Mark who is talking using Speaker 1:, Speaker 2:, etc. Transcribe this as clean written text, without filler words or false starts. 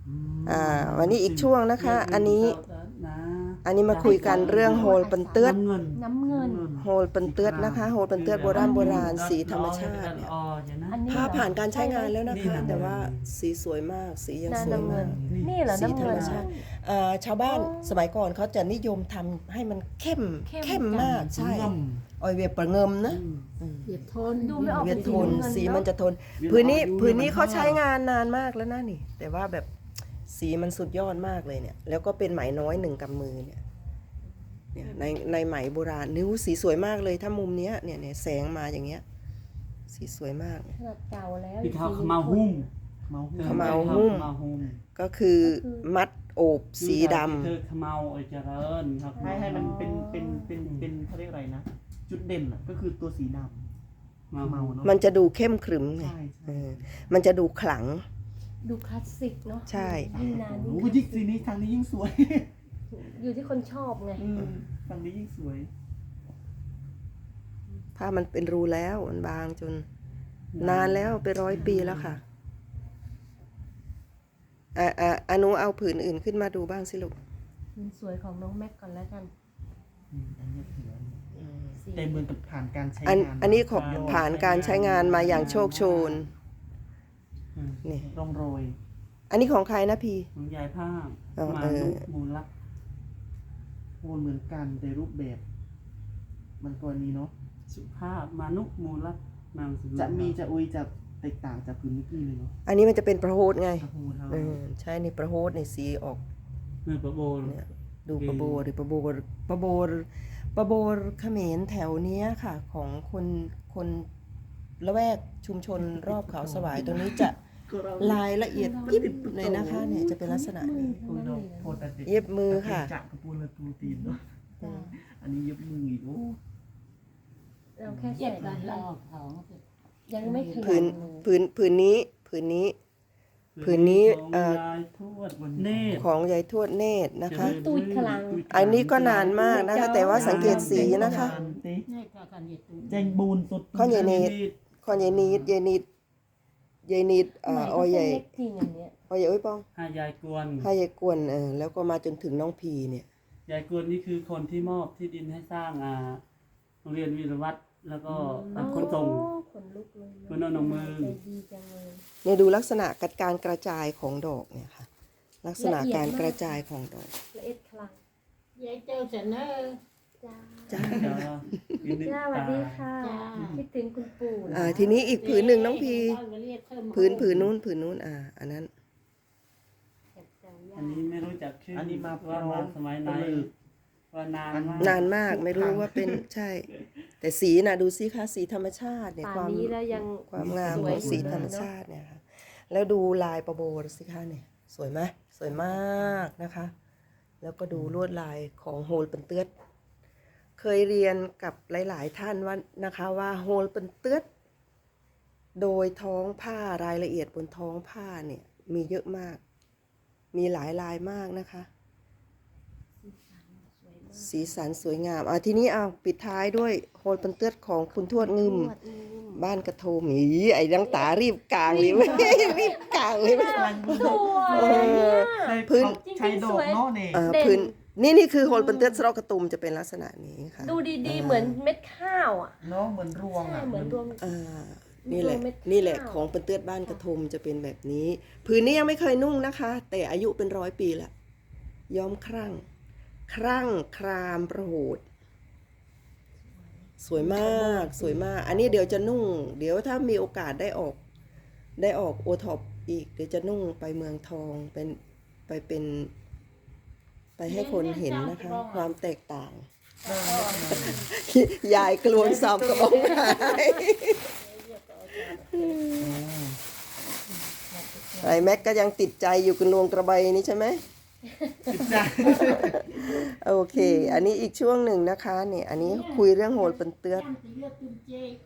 Speaker 1: วันนี้อีกช่วงนะคะอันนี้มาคุยกันเรื่องโฮลปันเตือด
Speaker 2: น้ำเงิน
Speaker 1: โฮลปันเตือดนะคะโฮลปันเตือดโบราณสีธรรมชาติเนี่ยผ้าผ่านการใช้งานแล้วนะคะแต่ว่าสีสวยมากสียังสวยมาก
Speaker 2: นี่เหรอ
Speaker 1: สี
Speaker 2: น้ำ
Speaker 1: ธร
Speaker 2: เงิ
Speaker 1: ร
Speaker 2: น
Speaker 1: มชาติชาวบ้านสมัยก่อนเขาจะนิยมทำให้มันเข้มมากใช่ออยเวียประเงิมนะ
Speaker 3: เวียดทน
Speaker 2: ดูไม่ออก
Speaker 1: เวียดทน
Speaker 2: เป็นสี
Speaker 1: สี
Speaker 2: น้ำเงิน
Speaker 1: มันจะทนพื้นนี้เขาใช้งานนานมากแล้วนะนี่แต่ว่าแบบสีมันสุดยอดมากเลยเนี่ยแล้วก็เป็นไหมน้อยหนึ่งกำมือเนี่ยในไหมโบราณนิ้วสีสวยมากเลยถ้ามุมเนี้ยเนี่ยแสงมาอย่างเงี้ยสีสวยมาก
Speaker 2: ขนาดเก่าแล้ว
Speaker 4: พี่เขาขมาหุ้ม
Speaker 1: ขมาหุ้ม ก็คือมัดโอบสีดำ
Speaker 4: คือขมาเจริญครับ
Speaker 3: ให้มันเป็นเขาเรียกอะไรนะ จุดเด่นอ่ะก็คือตัวสีดำเมาเนาะ
Speaker 1: มันจะดูเข้มขรึมไง
Speaker 3: ใช่
Speaker 1: มันจะดูขลัง
Speaker 2: ดูคลาสสิกเนาะ
Speaker 1: ใช่
Speaker 2: ยิ่งนาน
Speaker 3: โอ้
Speaker 2: ยิ่ง
Speaker 3: โหยิ่งสีนี้ทางนี้ยิ่งสวย
Speaker 2: อยู่ที่คนชอบไง
Speaker 3: ทางนี้ยิ่งสวย
Speaker 1: ผ้ามันเป็นรูแล้วมันบางจนนานแล้วเป็น100 ปีแล้วค่ะอนุเอาผืนอื่นขึ้นมาดูบ้างสิลูก
Speaker 2: มันสวยของน้องแม็กก่อนแล้วกัน
Speaker 3: อันนี้ถือว่า
Speaker 2: สี
Speaker 3: แต่เหมือนกับผ่านการใช้
Speaker 1: อัน
Speaker 3: งาน
Speaker 1: อันนี้ขอบผ่านการใช้งานมาอย่างโชคโชนนี่
Speaker 3: ร่องรอย
Speaker 1: อันนี้ของใครนะพี่
Speaker 4: ของยายภาพ
Speaker 1: อ๋อ
Speaker 4: มา
Speaker 1: เออ
Speaker 4: นุมูลลักษณ์
Speaker 3: โอนเหมือนกันแต่รูปแบบ มันกรณีเนาะ
Speaker 4: สุภาพมานุมูลลักษณ์นามสกุล
Speaker 3: จะอุยจะแตกต่างจากพื้นเมื่อกี้เลยเนาะ
Speaker 1: อันนี้มันจะเป็นประโฮดไง
Speaker 3: โอ้โหเท่า
Speaker 1: ใช่ในประโฮดในสีออก
Speaker 4: เนื้อประโบน
Speaker 1: เนี่ยดูประโบหรือประโบเขมรแถวเนี้ยค่ะ ของคนละแวกชุมชนรอบเขาสวายตรงนี้จะลายละเอียดยิบเลยนะคะเนี่ยจะเป็นลักษณะนี้
Speaker 3: โอ้ยเนาะโทษแต่เด็ก
Speaker 1: เย็บมือค่ะ
Speaker 3: จักกระปูนและตูตีนเนาะ
Speaker 2: จ้า
Speaker 3: อันนี้เย็บมืออีกโอ้
Speaker 2: เราแค่
Speaker 5: เจ็
Speaker 2: ใส่
Speaker 5: บกันลอกเขา
Speaker 2: ยังไม่ถึง
Speaker 1: ผืนนี้ผืนนี้
Speaker 4: ของยายทวดเนตร
Speaker 1: ของยายทวดเนตรนะคะ
Speaker 2: ตูดขลัง
Speaker 1: อันนี้ก็นานมากนะคะ แต่ว่าสังเกตสีนะคะ
Speaker 5: นี่ก็กันเหยียดตู
Speaker 3: แจงบูนสด
Speaker 1: ข้อยายเนตข้อยายนีดออยใหญ่
Speaker 2: เล็กจริงอย่างเนี้ย
Speaker 1: ออยใหญ่โอ้ยป้อง
Speaker 4: ให้ยายกวน
Speaker 1: ให้ยายกวนแล้วก็มาจนถึงน้องพีเนี่ย
Speaker 4: ยายกวนนี่คือคนที่มอบที่ดินให้สร้างโรงเรียนวีรวัตรแล้วก็ขนส่ง
Speaker 2: โอ้ขนลุกเลย
Speaker 4: คุณเอาหนังมือ
Speaker 2: ใจดีจังเลย
Speaker 1: เนี่ยดูลักษณะการกระจายของดอกเนี่ยค่ะ ลักษณะการกระจายของดอก
Speaker 2: ละเอียดคลัง
Speaker 5: ยายเจ้าเสนอ
Speaker 2: จ้า
Speaker 1: จ้า
Speaker 2: จ้าสวัสดีค่ะ
Speaker 5: จ้า
Speaker 2: คิดถึงคุณปู่นะ
Speaker 1: ทีนี้อีกผืนหนึ่งน้องพี
Speaker 5: เรียกเพิ่ม
Speaker 1: ผืนนู้นอันนั้น
Speaker 2: แอบแซวย่า
Speaker 4: อันนี้ไม่รู้จักชื่อ
Speaker 3: อั
Speaker 4: อั
Speaker 3: นนี้มาพร้
Speaker 4: ว่า
Speaker 3: อ
Speaker 4: มาม สมัยไหน
Speaker 3: เลย
Speaker 4: ว่านานมาก
Speaker 1: นานมากไม่รู้ว่าเป็นใช่ แต่สีน่ะดูสิคะสีธรรมชาติเนี่ย
Speaker 2: ป่านนี้แล้วยัง
Speaker 1: ความงาม
Speaker 2: ส
Speaker 1: ข
Speaker 2: วย
Speaker 1: องสีธรรมชาติเนี่ยค่ะแล้วดูลายประโบสิคะเนี่ยสวยไหมสวยมากนะคะ แล้วก็ดูลวดลายของโฮลเป็นเตือดเคยเรียนกับหลาย ๆ ท่านว่านะคะว่าโฮลเป็นเตือดโดยท้องผ้ารายละเอียดบนท้องผ้าเนี่ยมีเยอะมาก มีหลายลายมากนะคะ สีสันสวยงามทีนี้เอาปิดท้ายด้วยโฮลเป็นเตือดของคุณทวดงึม บ้านกระโทมไอ้ดังตารีบกลางเลยเว้ยรีบกลางเลยเว้ย
Speaker 2: สวย
Speaker 1: เออ พื้น
Speaker 3: ใช้ดอกเนาะเนี่ย
Speaker 1: พื้นนี่คือโฮลเป็นเตือดสระกระตุมจะเป็นลักษณะนี้ค่ะ
Speaker 2: ดูดีๆ เหมือนเม็ดข้าวอ่ะ
Speaker 3: เนาะเหมือนรวง
Speaker 2: ใช่
Speaker 3: อ่ะ
Speaker 2: เหมือนรวม
Speaker 1: นี่แหละ
Speaker 2: เม็ดข้าว
Speaker 1: นี่แหละของเป็นเตือดบ้านกระทมจะเป็นแบบนี้ พื้นนี้ยังไม่เคยนุ่งนะคะ แต่อายุเป็น100 ปีละย้อมครั่งครามประโหดสวยมากสวยมาก อันนี้เดี๋ยวจะนุ่ง เดี๋ยวถ้ามีโอกาสได้ออกโอท็อปอีกเดี๋ยวจะนุ่งไปเมืองทองไปให้คนเห็นนะคะ ความแตกต่าง ยายกลวนซ้ำกระบอกไม้ไอ้แม็กก็ยังติดใจอยู่กับลวงกระใบนี้ใช่ไหม โอเค อันนี้อีกช่วงหนึ่งนะคะเนี่ยอันนี้คุยเรื่องโฮลเป็นเตือด